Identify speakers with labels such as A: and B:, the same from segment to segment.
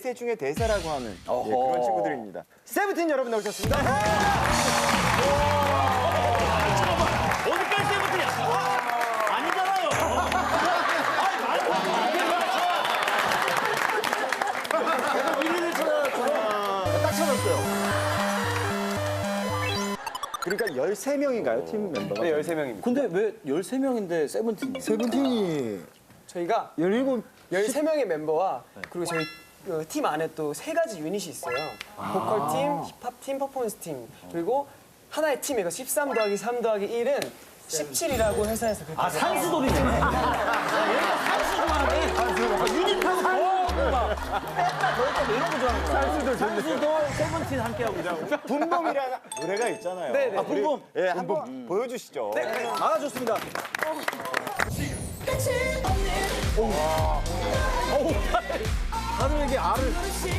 A: 중에 대사라고 하는 예, 그런 친구들입니다. 세븐틴 여러분 나오셨습니다.
B: 어디까지 세븐틴이야? 아니잖아요.
A: 딱 찾았어요. 그러니까 13명인가요, 팀 멤버가?
C: 네, 13명입니다.
B: 근데 왜 13명인데 세븐틴이에요?
A: 세븐틴이
C: 저희가
A: 17,
C: 13명의 멤버와 그리고 저희 팀 안에 또 3가지 유닛이 있어요. 보컬 팀, 힙합 팀, 퍼포먼스 팀. 그리고 하나의 팀이고 13 더하기 3 더하기 1은 17이라고 회사에서 그렇게
B: 아, 산수돌이네. 얘가 산수 좋아하네. 유닛하고 막 뺐다 더했다 이런 거 좋아하는구나. 산수돌 세븐틴 함께하고 있어.
A: 붐붐이라는 노래가 있잖아요.
C: 네네.
A: 아, 붐붐. 예, 한번 보여주시죠.
B: 아, 좋습니다. 다들 이게 알을.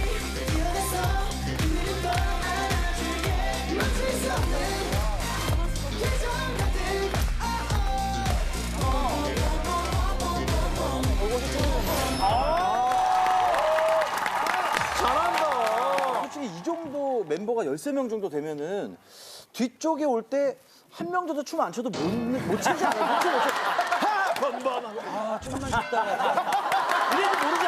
B: 잘한다. 솔직히 이 정도 멤버가 13명 정도 되면은 뒤쪽에 올 때 한 명 정도 춤 안 춰도 못 추지 않아요? 못 춰. 하! 번번 하고 아, 춤만 췄다. 이래도 모르지